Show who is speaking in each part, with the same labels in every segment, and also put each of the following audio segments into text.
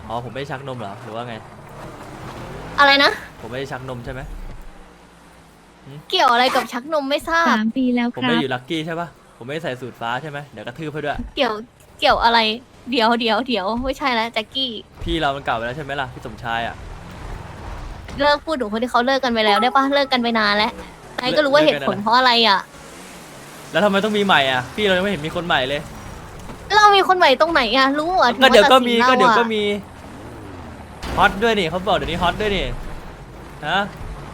Speaker 1: อ๋อผมไม่ได้ชักนมเหรอหรือว่าไง
Speaker 2: อะไรนะ
Speaker 1: ผมไม่ได้ชักนมใช่ไหม
Speaker 2: เกี่ยวอะไรกับชักนมไม่ทราบ
Speaker 3: 3 ปีแล้ว
Speaker 1: ผม
Speaker 3: ครั
Speaker 1: ไม่ได้
Speaker 3: บ
Speaker 1: อยู่ลัคกี้ใช่ปะผมไม่ได้ใส่สูตรฟ้าใช่ไหมเดี๋ยวกระทืบให้ด้วย
Speaker 2: เกี่ยวเกี่ยวอะไรเดี๋ยวไม่ใช่แล้วแจ็คกี้
Speaker 1: พี่เรามันเก่าไปแล้วใช่ไหมล่ะพี่สมชายอ่ะ
Speaker 2: เลิกพูดถึงคนที่เขาเลิกกันไปแล้วได้ปะเลิกกันไปนานแล้วนายก็รู้ว่าเหตุผลเพราะอะไรอ่ะ
Speaker 1: แล้วทำไมต้องมีใหม่อ่ะพี่เรายังไม่เห็นมีคนใหม่เลย
Speaker 2: เรามีคนใหม่ตรงไหนอ่ะรู้อ่ะ
Speaker 1: ก็เดี๋ยวก็มี
Speaker 2: ถึงาตัดสิน
Speaker 1: ก็เดี๋ยว
Speaker 2: รา
Speaker 1: ก็
Speaker 2: อะ
Speaker 1: มีฮอตด้วยนี่เขาบอกเดี๋ยวนี้ฮอตด้วยนี่ฮะ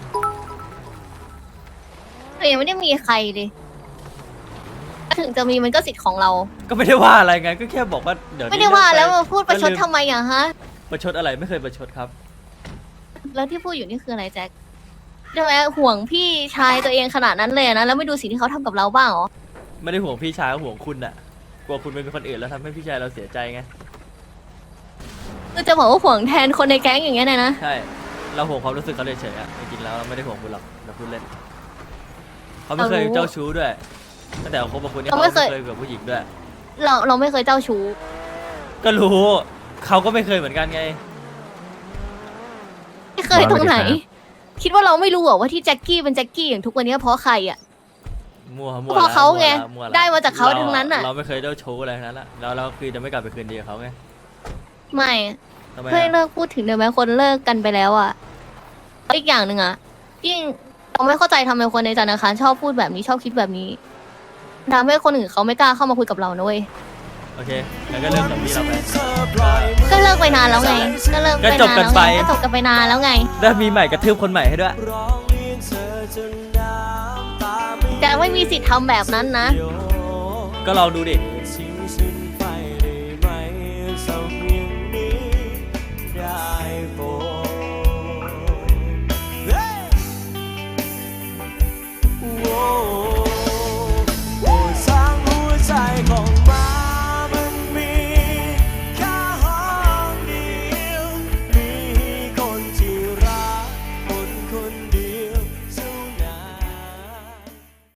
Speaker 2: แต่ยังไม่ได้มีใครเลยถึงจะมีมันก็สิทธิ์ของเรา
Speaker 1: ก็ไม่ได้ว่าอะไรไงก็แค่บอกว่าเดี๋ยวนี้
Speaker 2: ไม่ได้ว่าแล้ว
Speaker 1: เลิ
Speaker 2: มาก พูดประชดทำไมอ่ะฮะ
Speaker 1: ประชดอะไรไม่เคยประชดครับ
Speaker 2: แล้วที่พูดอยู่นี่คืออะไรแจ็คทำไมห่วงพี่ชายตัวเองขนาดนั้นเลยนะแล้วไม่ดูสิ่งที่เขาทำกับเราบ้างเหรอ
Speaker 1: ไม่ได้ห่วงพี่ชายก็ห่วงคุณน่ะกลัวคุณไปเป็นคนอื่นแล้วทำให้พี่ชายเราเสียใจไง
Speaker 2: คือจะบอกว่าห่วงแทนคนในแก๊งอย่างเงี้ยนะ
Speaker 1: ใช่เราห่วงความรู้สึกเขาเฉยๆอ่ะจริงๆแล้วเราไม่ได้ห่วงคุณหรอกเราพูดเล่นเขาไม่เคยเจ้าชู้ด้วยตั้งแต่เขาคบกับคุณนี่เขาไม่เคยกับผู้หญิงด้วย
Speaker 2: เราไม่เคยเจ้าชู้
Speaker 1: ก็รู้เขาก็ไม่เคยเหมือนกันไง
Speaker 2: ไม่เคยตรงไหน คิดว่าเราไม่รู้เหรอว่าที่แจ็คกี้เป็นแจ็คกี้อย่างทุกวันนี้เพราะใครอ่ะ
Speaker 1: มั่ว
Speaker 2: เพราะเขาไง
Speaker 1: มั่วละ
Speaker 2: ได้มาจากเขาทั้งนั้นน่ะ
Speaker 1: เราไม่เคยเจ้าชู้อะไรทั้งนั้นละเราคือจะไม่กลับไปคืนดีกับเขาไง
Speaker 2: ไม่
Speaker 1: ทำไม
Speaker 2: เพื่อ
Speaker 1: อะ
Speaker 2: เลิกพูดถึงได้ไหมคนเลิกกันไปแล้วอ่ะแล้วอีกอย่างหนึ่งอ่ะยิ่งเราไม่เข้าใจทำไมคนในธนาคารชอบพูดแบบนี้ชอบคิดแบบนี้ทำให้คนอื่นเขาไม่กล้าเข้ามาคุยกับเรานะเว้ย
Speaker 1: โอเคงั้นก็เริ่มจากพี่เราไป
Speaker 2: ก็เลิกไปนานแล้วไง ก็เลิก
Speaker 1: ก็
Speaker 2: ไป
Speaker 1: จบ
Speaker 2: นาน
Speaker 1: กัน
Speaker 2: แล้ว
Speaker 1: ไป
Speaker 2: ไงก็จบกันไปนานแล้วไง
Speaker 1: แล้วมีใหม่กระทืบคนใหม่ให้ด้วย
Speaker 2: แต่ไม่มีสิทธิ์ทำแบบนั้นนะ
Speaker 1: ก็ลองดูดิ